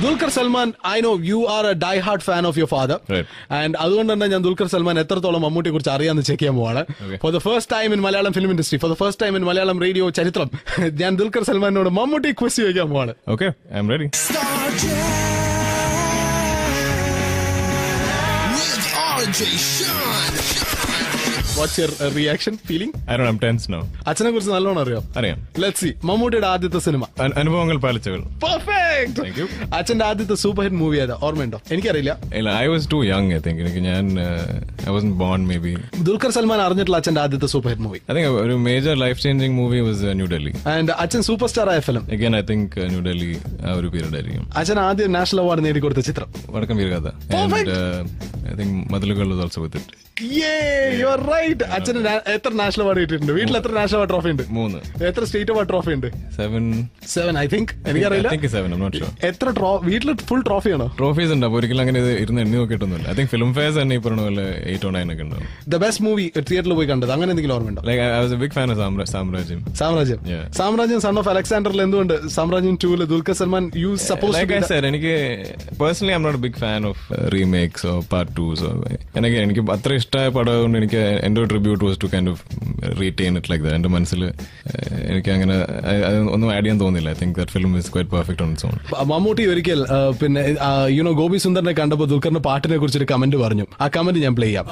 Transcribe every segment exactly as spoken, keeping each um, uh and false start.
Dulquer Salman, I know you are a die-hard fan of your father. Right. And അതുകൊണ്ട് തന്നെ ഞാൻ ദുൽഖർ സൽമാൻ എത്രത്തോളം മമ്മൂട്ടിയെ കുറിച്ച് അറിയാമെന്ന് ചെക്ക് ചെയ്യാൻ പോവാണ്. For the first time in Malayalam film industry, for the first time in Malayalam radio ചരിത്രം, ഞാൻ ദുൽഖർ സൽമാനോട് മമ്മൂട്ടി ക്വസ്റ്റ് ചോദിക്കാൻ പോവാണ്. Okay, I'm ready. What's your uh, reaction, feeling? I don't know, I'm tense now. അച്ഛനെ കുറിച്ച് നല്ലോണം അറിയാം. അറിയാം. Let's see. മമ്മൂട്ടിയുടെ ആദ്യത്തെ സിനിമ. അനുഭവങ്ങൾ പാലിച്ചകൾ. Perfect. Thank you. അച്ഛന്റെ ആദ്യത്തെ സൂപ്പർ ഹിറ്റ് മൂവി ഏതാ? ഓർമ്മയുണ്ടോ? എനിക്കറിയില്ല. I was too young, I think. എനിക്ക് ഞാൻ I wasn't born maybe. Dulquer Salman അറിഞ്ഞിട്ടുള്ള അച്ഛന്റെ ആദ്യത്തെ super hit movie? I think ഒരു major life changing movie was uh, New Delhi. And അച്ഛൻ സൂപ്പർ സ്റ്റാർ ആയ film? Again I think uh, New Delhi ആ ഒരു പീരീഡ് ആയിരിക്കും. അച്ഛൻ ആദ്യം നാഷണൽ അവാർഡ് നേടിക്കൊടുത്ത ചിത്രം? വടക്കം വീരഗാഥ. And uh, I think മതിലുകൾ was also with it. Yeah, you are right. അച്ഛന് എത്ര നാഷണൽ അവാർഡ് കിട്ടിയിട്ടുണ്ട്? വീട്ടിൽ എത്ര നാഷണൽ അവാർഡ് ട്രോഫി ഉണ്ട്? മൂന്ന്. എത്ര സ്റ്റേറ്റ് അവാർഡ് ട്രോഫി ഉണ്ട്? സെവൻ. Seven I think. എനിക്കറിയില്ല. I think seven, I'm not sure. എത്ര വീട്ടിൽ ഫുൾ ട്രോഫിയാണോ? ട്രോഫീസ് ഉണ്ട്. അപ്പോൾ ഒരിക്കലും അങ്ങനെ ഇരുന്ന് എണ്ണി നോക്കിയിട്ടൊന്നുമില്ല. I think film fairs തന്നെ ഈ പറഞ്ഞ പോലെ എയ്റ്റ് ഓ നയൻ ഒക്കെ ഉണ്ടാവും. The best movie തിയേറ്ററിൽ പോയി കണ്ടത് അങ്ങനെ എന്തെങ്കിലും ഓർമ്മയുണ്ടോ? Like I was a big fan of സാമ്രാജ്യം. സാമ്രാജ്യം. സാമ്രാജ്യം സൺ ഓഫ് അലക്സാണ്ടറിൽ എന്തുകൊണ്ട് സാമ്രാജ്യം ടൂല് Dulquer Salmaan you suppose like I said എനിക്ക് personally I am not a big fan of remakes or part twos. എനിക്ക് എനിക്ക് അത്ര ഇഷ്ടമായ പടം കൊണ്ട് എനിക്ക് എന്റെ tribute was to kind of retain it like that. എന്റെ മനസ്സിൽ എനിക്ക് അങ്ങനെ ഒന്നും ആഡ് ചെയ്യാൻ തോന്നില്ല. I think that film is quite perfect on its own. Mammootty ഒരിക്കൽ പിന്നെ യുനോ ഗോപി സുന്ദറിനെ കണ്ടപ്പോൾ ദുൽഖറിന്റെ പാട്ടിനെ കുറിച്ചൊരു കമന്റ് പറഞ്ഞു. ആ കമന്റ് ഞാൻ പ്ലേ ചെയ്യാം.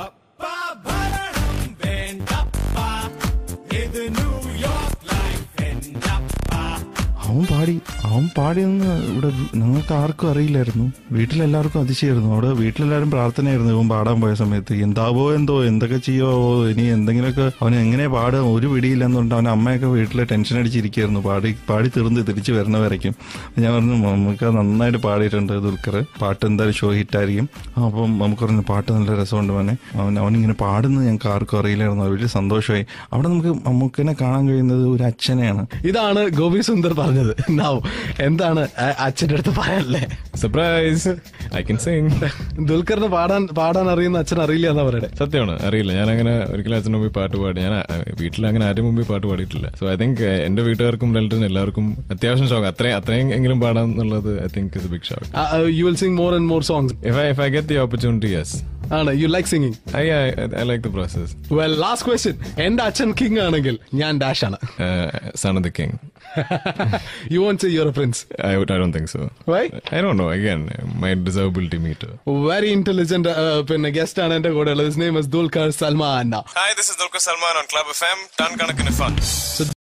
അവൻ പാടി അവൻ പാടിയെന്ന് ഇവിടെ ഞങ്ങൾക്ക് ആർക്കും അറിയില്ലായിരുന്നു. വീട്ടിലെല്ലാവർക്കും അതിശയായിരുന്നു. അവിടെ വീട്ടിലെല്ലാവരും പ്രാർത്ഥനയായിരുന്നു ഇവൻ പാടാൻ പോയ സമയത്ത്. എന്താവോ എന്തോ എന്തൊക്കെ ചെയ്യോ ഇനി എന്തെങ്കിലുമൊക്കെ അവൻ എങ്ങനെ പാടുക ഒരു പിടിയില്ലെന്നുണ്ട്. അവൻ അമ്മയൊക്കെ വീട്ടിൽ ടെൻഷൻ അടിച്ചിരിക്കുകയായിരുന്നു പാടി പാടി തീർന്ന് തിരിച്ച് വരുന്നവരേക്കും. ഞാൻ പറഞ്ഞു നമുക്ക് നന്നായിട്ട് പാടിയിട്ടുണ്ട് ദുൽഖർ, പാട്ട് എന്തായാലും ഷോ ഹിറ്റായിരിക്കും. അപ്പം നമുക്ക് പറഞ്ഞു പാട്ട് നല്ല രസമുണ്ട് മോനെ. അവൻ അവനിങ്ങനെ പാടുന്നത് ഞങ്ങൾക്ക് ആർക്കും അറിയില്ലായിരുന്നു. അത് വലിയ സന്തോഷമായി. അവിടെ നമുക്ക് നമുക്കിനെ കാണാൻ കഴിയുന്നത് ഒരു അച്ഛനെയാണ്. ഇതാണ് ഗോപി സുന്ദർ പറഞ്ഞത്. എന്താണ് അച്ഛൻ്റെ അടുത്ത് പറയാനല്ലേ? Surprise, I can sing. ദുൽഖറിന് പാടാൻ പാടാൻ അറിയുന്ന അച്ഛൻ അറിയില്ല എന്നാ പറയണേ? സത്യമാണ്, അറിയില്ല. ഞാൻ അങ്ങനെ ഒരിക്കലും അച്ഛൻ്റെ മുമ്പിൽ പാട്ട് പാടി ഞാൻ വീട്ടിൽ അങ്ങനെ ആരും മുമ്പിൽ പാട്ട് പാടിയിട്ടില്ല. സോ ഐ തിങ്ക് എന്റെ വീട്ടുകാർക്കും റിലേറ്റീവ്സിനും എല്ലാവർക്കും അത്യാവശ്യം ഷോക്ക്. അത്രയും അത്രയും എങ്കിലും പാടാം എന്നുള്ളത് I think is a big shock. You will sing more and more songs if I if I get the opportunity. Yes. ആണ്. You like singing? I I like the process. Well last question. എന്റെ അച്ഛൻ king ആണെങ്കിൽ ഞാൻ dash ആണ്. Son of the king. You won't say you're a prince? I, I don't think so. Why? I don't know. Again, my desirability meter. Very intelligent uh, guest ആണ് എന്റെ കൂടെ ഉള്ളത്. His name is Dulquer Salman. Hi, this is Dulquer Salman on Club F M. Ton Kanakin Fun. So